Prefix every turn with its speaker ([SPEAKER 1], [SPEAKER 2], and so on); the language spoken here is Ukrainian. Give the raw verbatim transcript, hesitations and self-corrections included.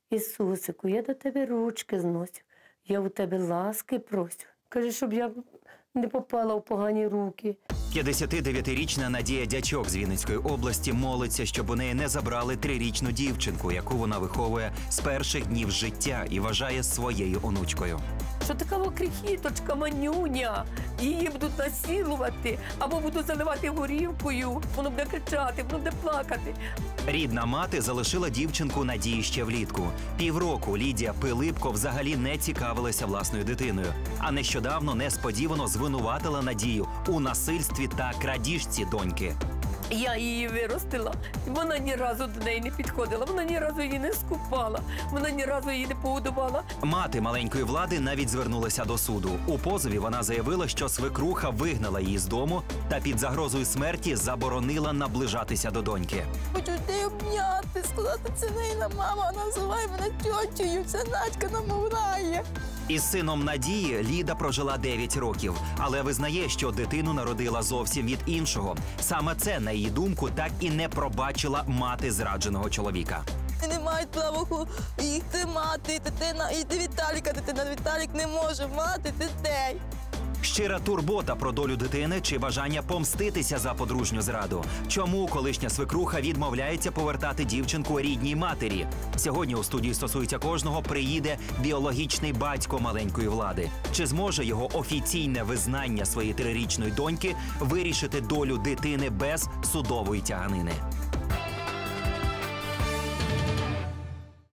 [SPEAKER 1] Ісусику, я до тебе ручки зносю, я у тебе ласки просю. Каже, щоб я не попала в погані руки.
[SPEAKER 2] п'ятдесятидев'ятирічна Надія Дячок з Вінницької області молиться, щоб у неї не забрали трирічну дівчинку, яку вона виховує з перших днів життя і вважає своєю онучкою.
[SPEAKER 1] Що така крихіточка, манюня, її будуть насилувати або будуть заливати горівкою, воно буде кричати, воно буде плакати.
[SPEAKER 2] Рідна мати залишила дівчинку Надії ще влітку. Півроку Лідія Пилипко взагалі не цікавилася власною дитиною, а нещодавно несподівано звинуватила Надію у насильстві та крадіжці доньки.
[SPEAKER 1] Я її виростила, вона ні разу до неї не підходила, вона ні разу її не скупала, вона ні разу її не погодувала.
[SPEAKER 2] Мати маленької Влади навіть звернулася до суду. У позові вона заявила, що свекруха вигнала її з дому та під загрозою смерті заборонила наближатися до доньки.
[SPEAKER 3] Хочу тебе обняти, сказати, це Нина, мама, називай мене тьотєю, це Надька намовляє.
[SPEAKER 2] Із сином Надії Ліда прожила дев'ять років, але визнає, що дитину народила зовсім від іншого. Саме це, на її думку, так і не пробачила мати зрадженого чоловіка.
[SPEAKER 3] Не мають права їх тримати, дитина, і Віталіка дитина, Віталік не може мати дітей.
[SPEAKER 2] Щира турбота про долю дитини чи бажання помститися за подружню зраду? Чому колишня свекруха відмовляється повертати дівчинку рідній матері? Сьогодні у студії «Стосується кожного» приїде біологічний батько маленької Влади. Чи зможе його офіційне визнання своєї трирічної доньки вирішити долю дитини без судової тяганини?